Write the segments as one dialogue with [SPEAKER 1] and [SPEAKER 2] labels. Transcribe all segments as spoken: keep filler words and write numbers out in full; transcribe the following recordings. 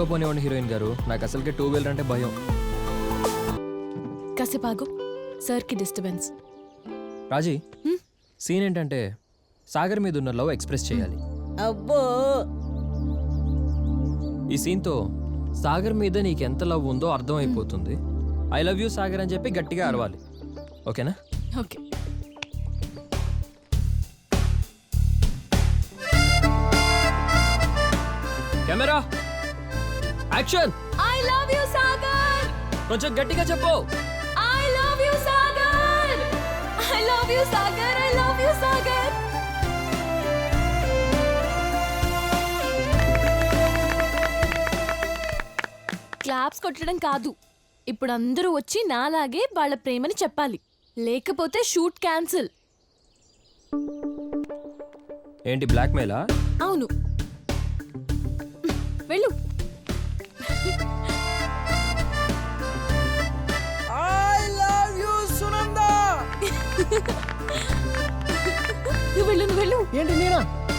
[SPEAKER 1] స్లోగా పోనివ్వండి హీరోయిన్ గారు, నాకు అసలుకే టూ వీలర్ అంటే భయం.
[SPEAKER 2] కాసేపు ఆగు, సార్కి డిస్టర్బెన్స్.
[SPEAKER 1] రాజీ,
[SPEAKER 2] హ్మ్?
[SPEAKER 1] సీన్ ఏంటంటే సాగర్ మీద ఉన్న లవ్ ఎక్స్ప్రెస్ చేయాలి.
[SPEAKER 3] అబ్బో
[SPEAKER 1] ఈ సీన్తో సాగర్ మీద నీకు ఎంత లవ్ ఉందో అర్థం అయిపోతుంది. ఐ లవ్ యూ సాగర్ అని చెప్పి గట్టిగా అరవాలి, ఓకేనా?
[SPEAKER 2] Okay.
[SPEAKER 1] Camera action.
[SPEAKER 2] I love you Sagar.
[SPEAKER 1] కొంచెం గట్టిగా చెప్పు.
[SPEAKER 2] I love you Sagar. I love you Sagar. I love you Sagar. Claps కొట్టడం కాదు, ఇప్పుడు అందరూ వచ్చి నాలాగే వాళ్ళ ప్రేమని చెప్పాలి, లేకపోతే షూట్ క్యాన్సిల్.
[SPEAKER 1] ఏంటి బ్లాక్ మెయిలా?
[SPEAKER 2] అవును, వెళ్ళు.
[SPEAKER 3] I love you Sunanda.
[SPEAKER 2] నువ్వు వెళ్ళు, నువ్వు వెళ్ళు.
[SPEAKER 3] ఏంటి నేనా?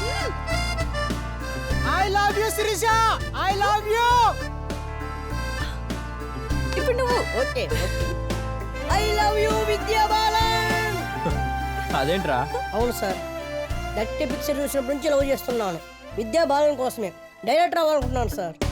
[SPEAKER 3] I love you Sirisha. I love you.
[SPEAKER 2] ఇప్పుడు నువ్వు.
[SPEAKER 3] Okay I love you Vidya Balan.
[SPEAKER 1] అదేంట్రా?
[SPEAKER 3] అవును సార్, గట్టి పిక్చర్ చూసినప్పటి నుంచి లవ్ చేస్తున్నాను. విద్యా బాలన్ కోసమే డైరెక్టర్ అవ్వాలనుకుంటున్నాను సార్.